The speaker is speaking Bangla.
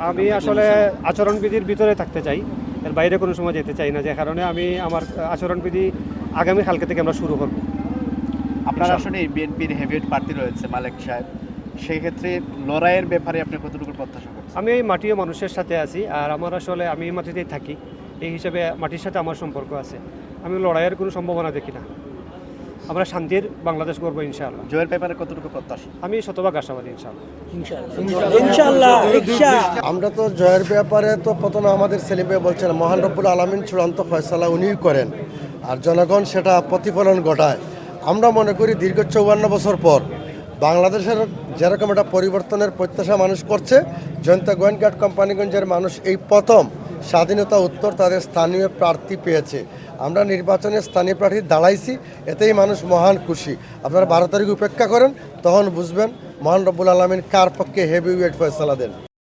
আমি আসলে আচরণবিধির ভিতরে থাকতে চাই, এর বাইরে কোনো সময় যেতে চাই না, যে কারণে আমি আমার আচরণবিধি আগামী কালকে থেকে আমরা শুরু করব। আপনার আসলে বিএনপির হেভিওয়েট প্রার্থী রয়েছে মালেক সাহেব, সেই ক্ষেত্রে লড়াইয়ের ব্যাপারে আপনি কতটুকু প্রত্যাশা করছেন? আমি এই মাটি ও মানুষের সাথে আছি, আর আমার আসলে আমি এই মাটিতেই থাকি, এই হিসাবে মাটির সাথে আমার সম্পর্ক আছে। আমি লড়াইয়ের কোনো সম্ভাবনা দেখি না। আমরা শান্তির বাংলাদেশ করবো ইনশাআল্লাহ। জয়ের ব্যাপারে কতটুকু প্রত্যাশা? আমি শতভাগ আশাবাদী ইনশাআল্লাহ। ইনশাআল্লাহ। আমরা তো জয়ের ব্যাপারে তো প্রথমে আমাদের সেলিম ভাই বলছেন মহান রব্বুল আলামিন চূড়ান্ত ফয়সালা উনিই করেন, আর জনগণ সেটা প্রতিফলন ঘটায়। আমরা মনে করি দীর্ঘ 54 বছর পর বাংলাদেশের যেরকম একটা পরিবর্তনের প্রত্যাশা মানুষ করছে, জয়ন্তা গোয়েনঘাট কোম্পানিগঞ্জের মানুষ এই প্রথম স্বাধীনতা উত্তর তাদের স্থানীয় প্রার্থী পেয়েছে। আমরা নির্বাচনে স্থানীয় প্রার্থী দাঁড়াইছি, এতেই মানুষ মহান খুশি। আপনারা 12 তারিখ উপেক্ষা করেন, তখন বুঝবেন মহান রব্বুল আলামিন কার পক্ষে হেভি ওয়েট ফয়সালা দেন।